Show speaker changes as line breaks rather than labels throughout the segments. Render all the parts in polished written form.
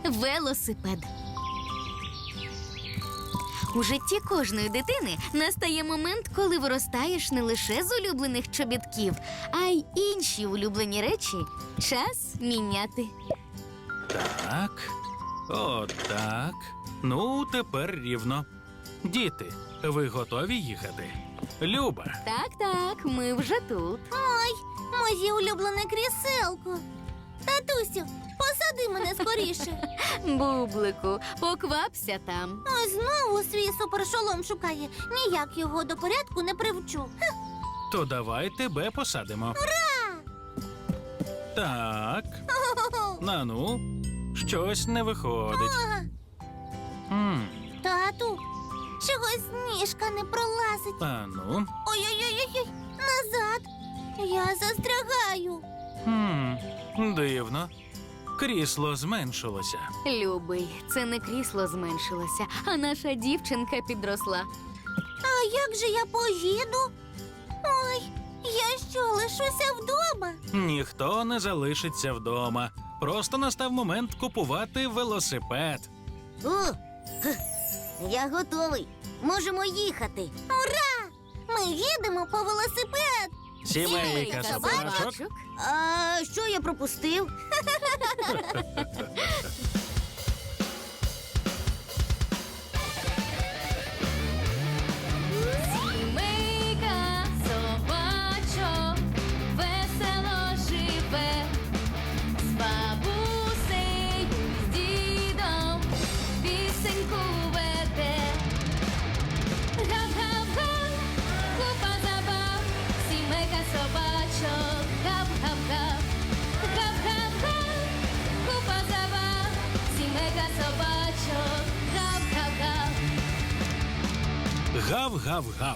велосипед. У житті кожної дитини настає момент, коли виростаєш не лише з улюблених чобітків, а й інші улюблені речі час міняти.
Так, отак. Ну, тепер рівно. Діти, ви готові їхати? Люба,
Так, ми вже тут.
Ой, моє улюблене кріселко. Татусю, посади мене скоріше.
Бублику, поквапся там.
Ой, знову свій супершолом шукає. Ніяк його до порядку не привчу.
то давай тебе посадимо. Так, ну, щось не виходить. М,
Тату, чогось ніжка не пролазить.
А ну.
Ой-ой-ой, назад. Я застрягаю.
Дивно. Крісло зменшилося.
Любий, це не крісло зменшилося, а наша дівчинка підросла.
А як же я поїду? Ой, я що, лишуся вдома?
Ніхто не залишиться вдома. Просто настав момент купувати велосипед.
Я готовий. Можемо їхати. Ура! Ми їдемо по велосипед.
Сімейка собачок.
А що я пропустив?
Сімейка собачок весело живе, з бабусею, з дідом пісеньку веде. Гав-гав-га, купа забав, сімейка собачок, гав-гав-гав. Гав-гав-га, купа забав, сімейка собачок, гав-гав-гав.
Гав-гав-гав.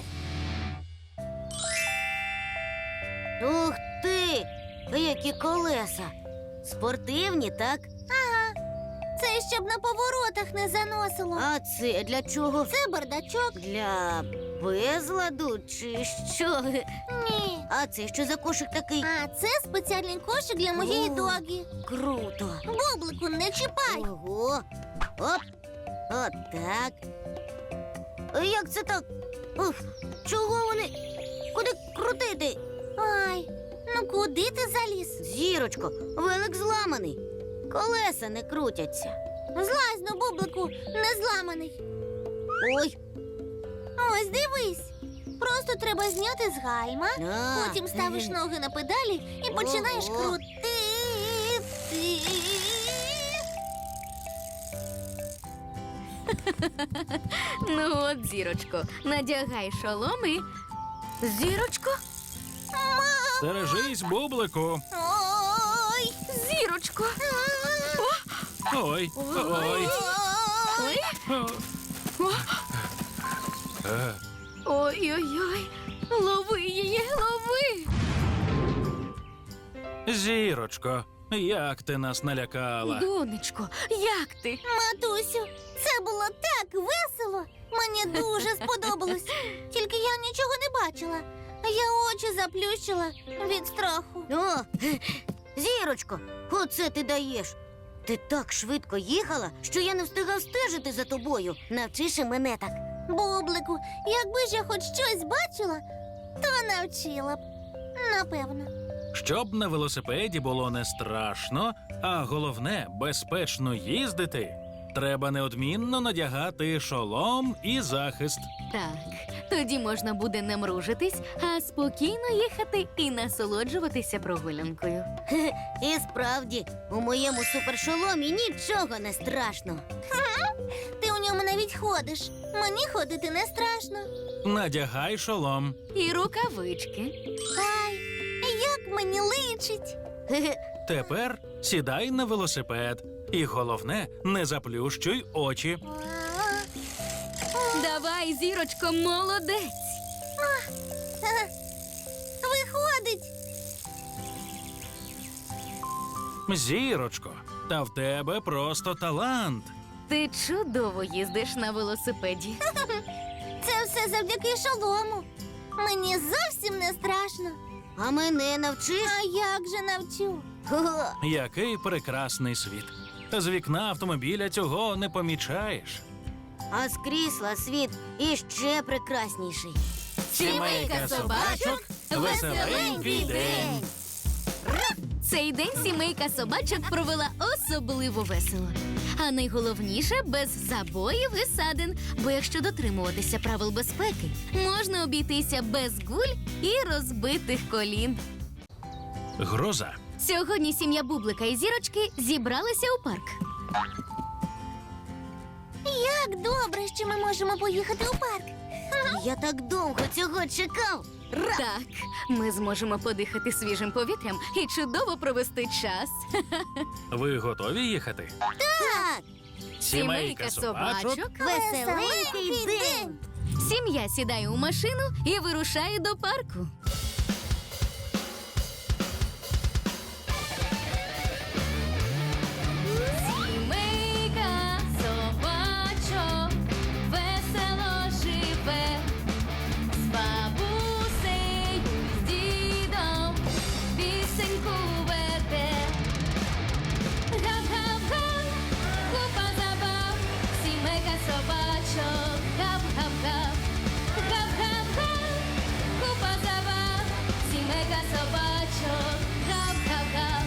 Ух ти! Які колеса! Спортивні, так? Ага. Це щоб на поворотах не заносило. А це для чого? Це бардачок. Для безладу чи що? Ні. А це що за кошик такий? А це спеціальний кошик для моєї догі. Круто. Бублику, не чіпай. Ого. Оп. От так. Як це так? Ух, чого вони? Куди крутити? Ай, ну куди ти заліз? Зірочко, велик зламаний. Колеса не крутяться. Злазь, ну, Бублику, не зламаний. Ой. Ось дивись. Просто треба зняти з гальма, потім ставиш ноги на педалі і починаєш крутити.
Ну от, Зірочко, надягай шолом і... Зірочко?
Стережись, Бублику.
Ой.
Зірочко!
Ой, ой.
Ой!
Е,
Ой-ой-ой! Лови її, лови!
Зірочко, як ти нас налякала?
Донечко, як ти?
Матусю, це було так весело. Мені дуже сподобалось. Тільки я нічого не бачила. Я очі заплющила від страху. О, Зірочко, оце ти даєш. Ти так швидко їхала, що я не встигав стежити за тобою. Навчиш і мене так. Бублику, якби ж я хоч щось бачила, то навчила б. Напевно.
Щоб на велосипеді було не страшно, а головне – безпечно їздити, треба неодмінно надягати шолом і захист.
Так, тоді можна буде не мружитись, а спокійно їхати і насолоджуватися прогулянкою.
І справді, у моєму супершоломі нічого не страшно. Ти у ньому навіть ходиш. Мені ходити не страшно.
Надягай шолом.
І рукавички.
Ай, як мені личить.
Тепер сідай на велосипед. І головне – не заплющуй очі.
Давай, Зірочко, молодець!
Виходить.
Зірочко, та в тебе просто талант.
Ти чудово їздиш на велосипеді.
Це все завдяки шолому. Мені зовсім не страшно. А мене навчиш? А як же навчу?
Який прекрасний світ. З вікна автомобіля цього не помічаєш.
А з крісла світ іще прекрасніший.
Сімейка собачок, веселенький день. Цей день сімейка собачок провела особливо весело. А найголовніше – без забоїв і ссадин. Бо якщо дотримуватися правил безпеки, можна обійтися без гуль і розбитих колін.
Гроза.
Сьогодні сім'я Бублика і Зірочки зібралися у парк.
Як добре, що ми можемо поїхати у парк. Я так довго цього чекав.
Так, ми зможемо подихати свіжим повітрям і чудово провести час.
Ви готові їхати?
Так, веселенький день.
Сім'я сідає у машину і вирушає до парку. Сімейка собачок весело живе, з бабусею, з дідом пісеньку веде. Гап-гап-га, купа забав, сімейка собачок, гап-гап-га. Гап-гап-га, купа забав, сімейка собачок, гап-гап-га.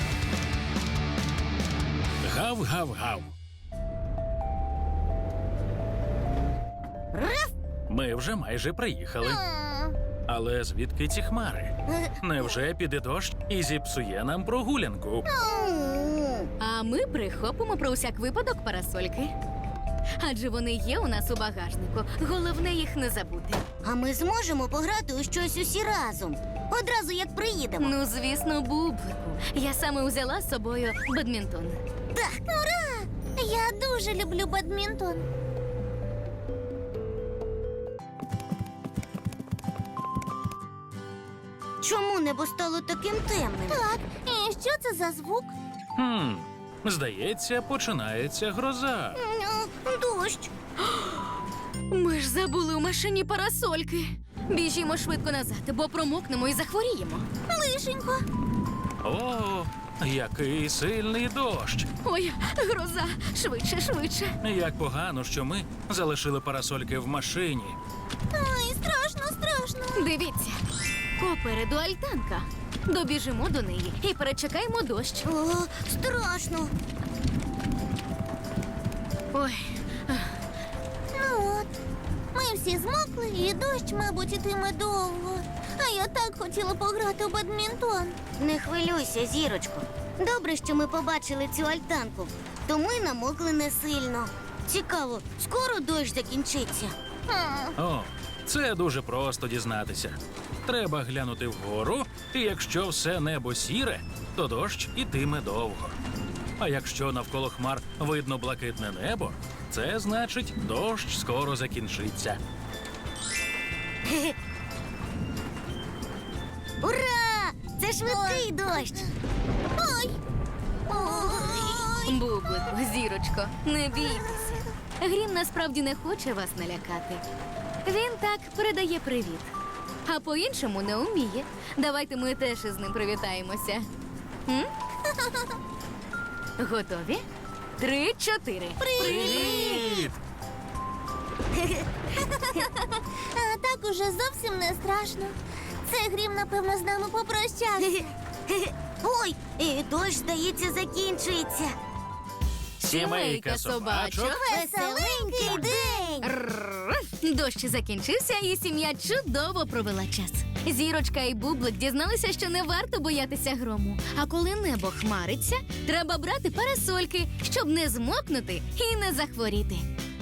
Гав-гав-гав. Ми вже майже приїхали. Але звідки ці хмари? Невже піде дощ і зіпсує нам прогулянку?
А ми прихопимо про усяк випадок парасольки. Адже вони є у нас у багажнику. Головне їх не забути.
А ми зможемо пограти у щось усі разом. Одразу як приїдемо.
Ну, звісно, Бублику. Я саме узяла з собою бадмінтон.
Так. Ура! Я дуже люблю бадмінтон. Чому небо стало таким темним? Так, і що це за звук?
Здається, починається гроза.
Дощ.
Ми ж забули у машині парасольки. Біжімо швидко назад, бо промокнемо і захворіємо.
Лишенько.
О, який сильний дощ!
Ой, гроза! Швидше, швидше.
Як погано, що ми залишили парасольки в машині.
Ой, страшно, страшно.
Дивіться, попереду альтанка. Добіжимо до неї і перечекаємо дощ.
О, страшно.
Ой,
Ну от, ми всі змокли, і дощ, мабуть, ітиме довго. А я так хотіла пограти у бадмінтон. Не хвилюйся, Зірочко. Добре, що ми побачили цю альтанку, то ми намокли не сильно. Цікаво, скоро дощ закінчиться.
О, це дуже просто дізнатися. Треба глянути вгору, і якщо все небо сіре, то дощ ітиме довго. А якщо навколо хмар видно блакитне небо, це значить, дощ скоро закінчиться.
Ура! Це швидкий дощ. Ой! Ой!
Бублику, Зірочко, не бійтеся. Грім насправді не хоче вас налякати. Він так передає привіт. А по-іншому не вміє. Давайте ми теж із ним привітаємося. М? Готові? 3-4.
Привіт!
А так уже зовсім не страшно. Це Грім, напевно, з нами попрощався. Ой, і дощ, здається, закінчується.
Сімейка собачок.
Веселенький день!
Рррр. Дощ закінчився, і сім'я чудово провела час. Зірочка і Бублик дізналися, що не варто боятися грому. А коли небо хмариться, треба брати парасольки, щоб не змокнути і не захворіти.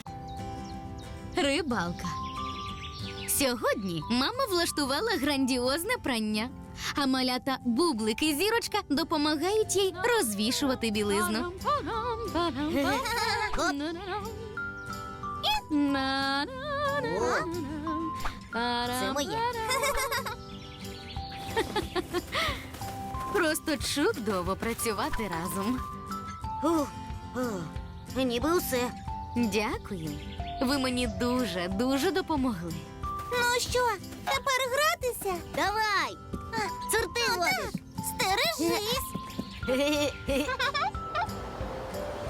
Рибалка. Сьогодні мама влаштувала грандіозне прання. А малята Бублик і Зірочка допомагають їй розвішувати білизну.
Це моє.
Просто чудово працювати разом.
Ніби усе.
Дякую. Ви мені дуже допомогли.
Ну що, тепер гратися? Давай! Цур ти водиш. Стережись!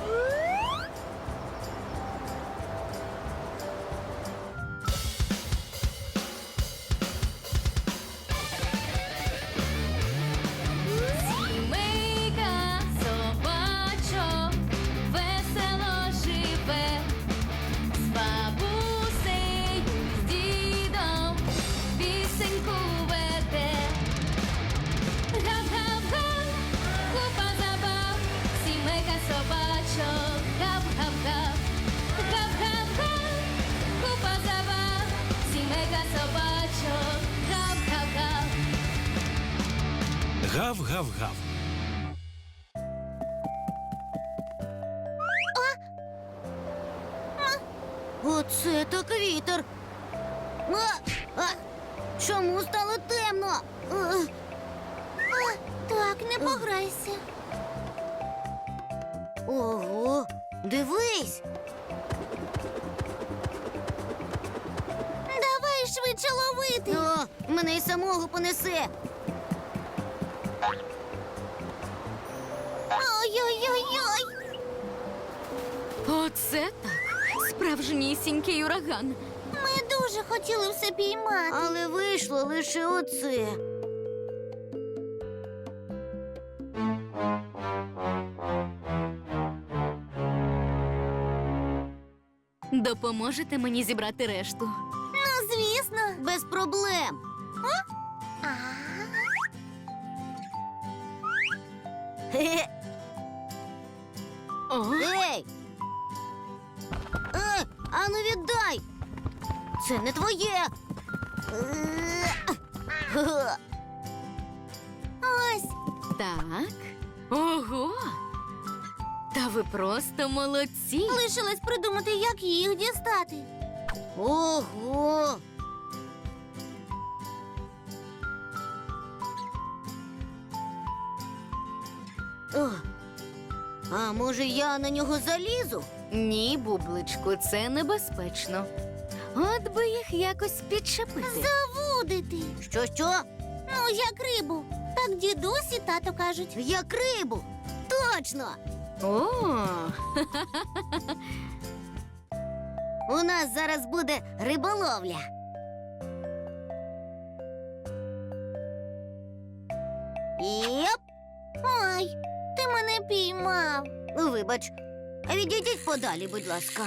Гав-гав-гав.
Оце так вітер. А, чому стало темно? Так, не пограйся. Ого, дивись. Давай швидше ловити. О, мене й самого понесе. Ой-ой-ой-ой.
Оце так. Справжнісінький ураган.
Ми дуже хотіли все піймати. Але вийшло лише оце.
Допоможете мені зібрати решту?
Ну, звісно. Без проблем. Хе-хе.
О,
Ей! Ану віддай! Це не твоє! Ось!
так. Ого! Та ви просто молодці.
Лишилось придумати, як їх дістати. Ого! О, а може я на нього залізу?
Ні, бубличку, це небезпечно. От би їх якось підчепити.
Завудити. Що? Ну, як рибу. Так дідусь і тато кажуть. Як рибу. Точно.
О,
У нас зараз буде риболовля. Йоп. Ой, ти мене піймав. Вибач. Відійдіть подалі, будь ласка.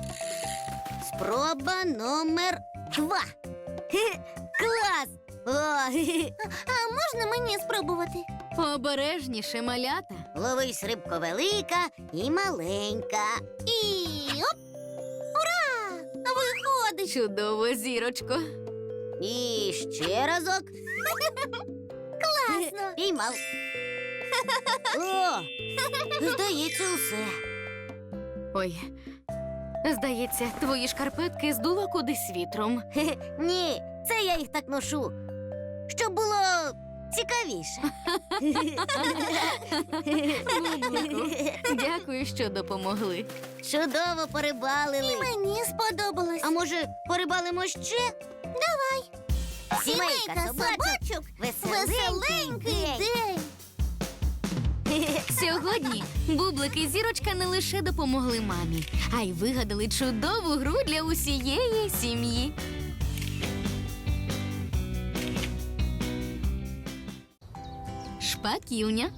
Спроба номер 2. Клас! О, а можна мені спробувати?
обережніше, малята.
Ловись, рибко велика і маленька. І оп! Ура! Виходить!
Чудово, зірочко.
І ще разок. Класно! Піймав. О! Здається, усе.
Ой, здається, твої шкарпетки здуло кудись вітром.
Ні, це я їх так ношу. Щоб було цікавіше.
Бублику, дякую, що допомогли.
Чудово порибалили. І мені сподобалось. А може, порибалимо ще? Давай. Сімейка собачок. Веселенький день.
Сьогодні Бублик і Зірочка не лише допомогли мамі, а й вигадали чудову гру для усієї сім'ї. Шпаківня.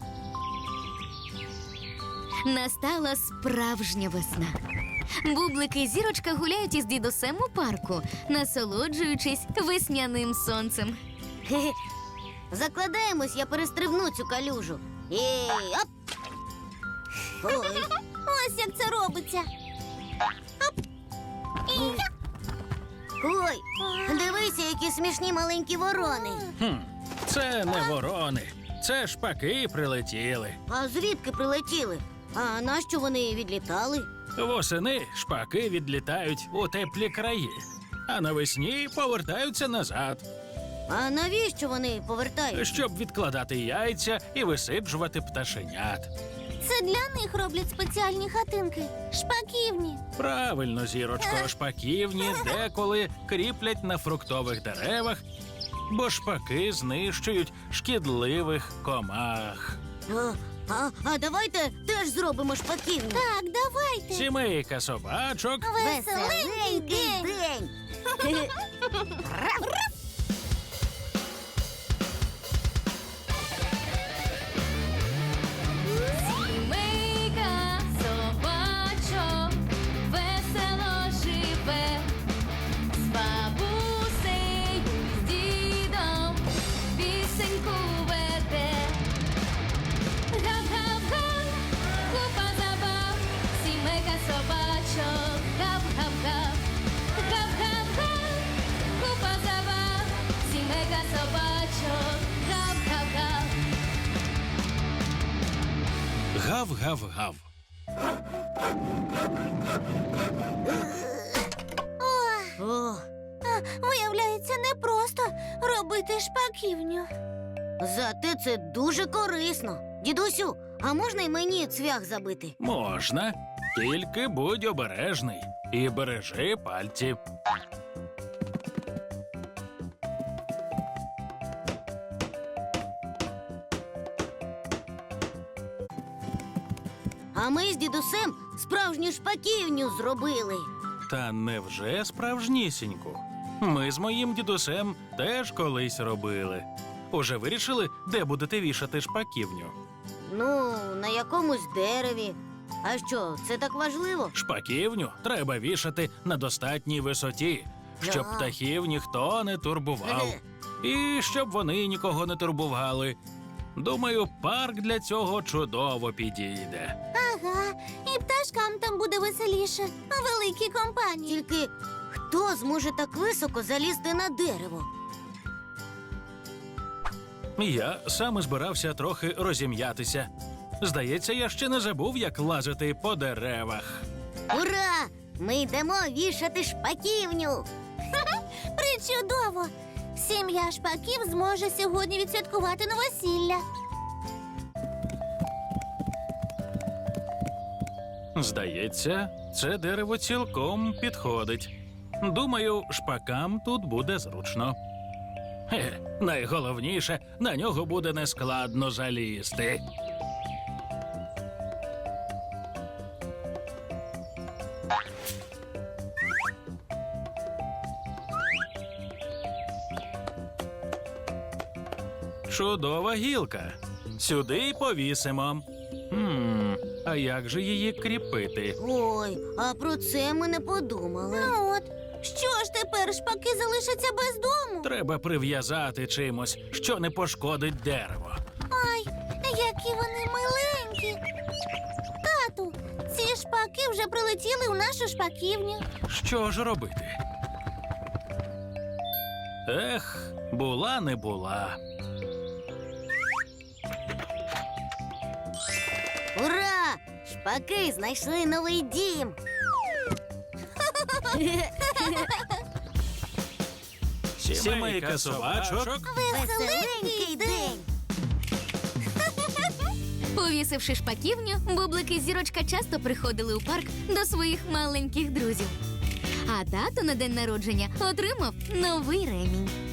Настала справжня весна. Бублик і Зірочка гуляють із дідусем у парку, насолоджуючись весняним сонцем.
Хе-хе. Закладаємось, я перестрибну цю калюжу. І оп! Ой. Ось як це робиться. Оп! І я. Ой, дивися, які смішні маленькі ворони.
Це не ворони, це шпаки прилетіли.
А звідки прилетіли? А нащо вони відлітали?
Восени шпаки відлітають у теплі краї, а навесні повертаються назад,
А навіщо вони повертаються?
щоб відкладати яйця і висиджувати пташенят.
Це для них роблять спеціальні хатинки. Шпаківні.
Правильно, Зірочко, шпаківні деколи кріплять на фруктових деревах, бо шпаки знищують шкідливих комах.
А давайте теж зробимо шпаківню. Так, давайте.
Сімейка собачок.
Веселенький день.
Сімейка собачок весело живе, з бабусею, з дідом пісеньку веде. Гав-гав-га, купа забав, сімейка собачок, гав-гав-гав, гав-гав-га, купа забав.
гав-гав.
О,
Виявляється, непросто робити шпаківню.
зате це дуже корисно. Дідусю, а можна й мені цвях забити?
Можна, тільки будь обережний і бережи пальці.
А ми з дідусем справжню шпаківню зробили.
Та невже справжнісіньку? Ми з моїм дідусем теж колись робили. Уже вирішили, де будете вішати шпаківню?
Ну, на якомусь дереві. А що, це так важливо?
Шпаківню треба вішати на достатній висоті, щоб
Ага.
птахів ніхто не турбував. І щоб вони нікого не турбували. Думаю, парк для цього чудово підійде.
Ага, і пташкам там буде веселіше, у великій компанії.
Тільки хто зможе так високо залізти на дерево?
Я саме збирався трохи розім'ятися. Здається, я ще не забув, як лазити по деревах.
Ура! Ми йдемо вішати шпаківню.
Причудово! Сім'я шпаків зможе сьогодні відсвяткувати новосілля.
Здається, це дерево цілком підходить. Думаю, шпакам тут буде зручно. Найголовніше, на нього буде нескладно залізти. Чудова гілка. Сюди й повісимо. А як же її кріпити?
Ой, а про це ми не подумали.
Ну от, що ж тепер шпаки залишаться без дому?
Треба прив'язати чимось, що не пошкодить дерево.
Ай, які вони миленькі. Тату, ці шпаки вже прилетіли у нашу шпаківню.
Що ж робити? Ех, була не була.
Ура! Шпаки знайшли новий дім.
Сімейка собачок.
Веселенький день.
Повісивши шпаківню, Бублик і Зірочка часто приходили у парк до своїх маленьких друзів. А тато на день народження отримав новий ремінь.